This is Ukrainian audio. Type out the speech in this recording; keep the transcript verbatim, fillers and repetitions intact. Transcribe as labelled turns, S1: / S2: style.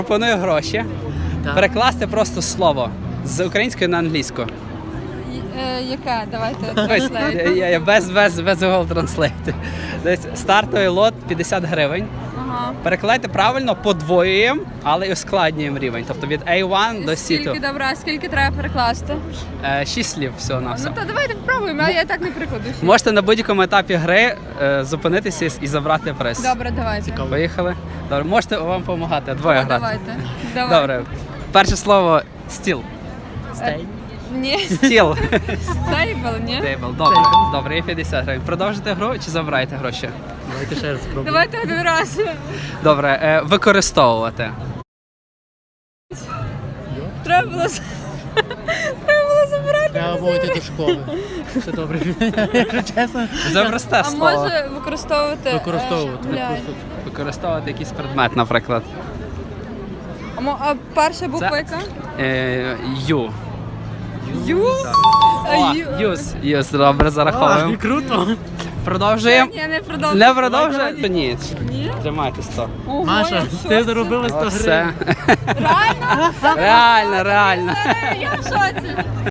S1: Пропоную гроші.
S2: Так.
S1: Перекласти просто слово з української на англійську.
S3: Е, яке? Давайте
S1: Ось,
S3: транслейт.
S1: я- я без, без, без Google Translate. Десь стартовий лот п'ятдесят гривень.
S3: Ага.
S1: Перекладайте правильно, подвоюємо, але і ускладнюємо рівень. Тобто від ей один до сі два.
S3: Скільки добра, скільки треба перекласти?
S1: Е, Шість слів всього на
S3: Ну
S1: все.
S3: то давайте спробуємо, а я так не прикладу. ще.
S1: Можете на будь-якому етапі гри е, зупинитися і забрати приз.
S3: Добре, давайте.
S1: Поїхали. Добре, можете вам допомагати. Двоє
S3: О,
S1: грати.
S3: давайте. Давай.
S1: Добре. Перше слово стіл.
S3: Стейк. Ні,
S1: Стіл.
S3: стейбл, ні?
S1: Тейбл. Добре. Добре, і п'ятдесят гривень. Продовжите гру чи забираєте гроші?
S2: Давайте ще раз спробуємо.
S3: Давайте один раз.
S1: Добре, е, використовувати.
S3: Треба було з- Треба було забирати.
S2: Треба було йти до школи. Все добре. Якщо чесно.
S1: Це просте
S3: А
S1: слово.
S3: може використовувати. е,
S2: Використовувати.
S3: блядь.
S1: Використовувати якийсь предмет, наприклад.
S3: А, мо- а перша буква
S1: Це-
S3: яка?
S1: Е, Ю.
S3: Ю? А,
S1: О,
S3: ю.
S1: Юз. Юз, добре, зараховуємо.
S2: А, круто.
S1: Продовжуємо.
S3: Ні, не продовжуй.
S1: Не продовжуємо? Ні.
S3: Ні?
S1: Тримайте сто.
S3: Ого,
S2: Маша,
S3: я в
S2: ти
S3: шоці.
S2: заробила сто гривень.
S1: Все.
S3: Реально?
S1: Реально, реально.
S3: Я в шоці.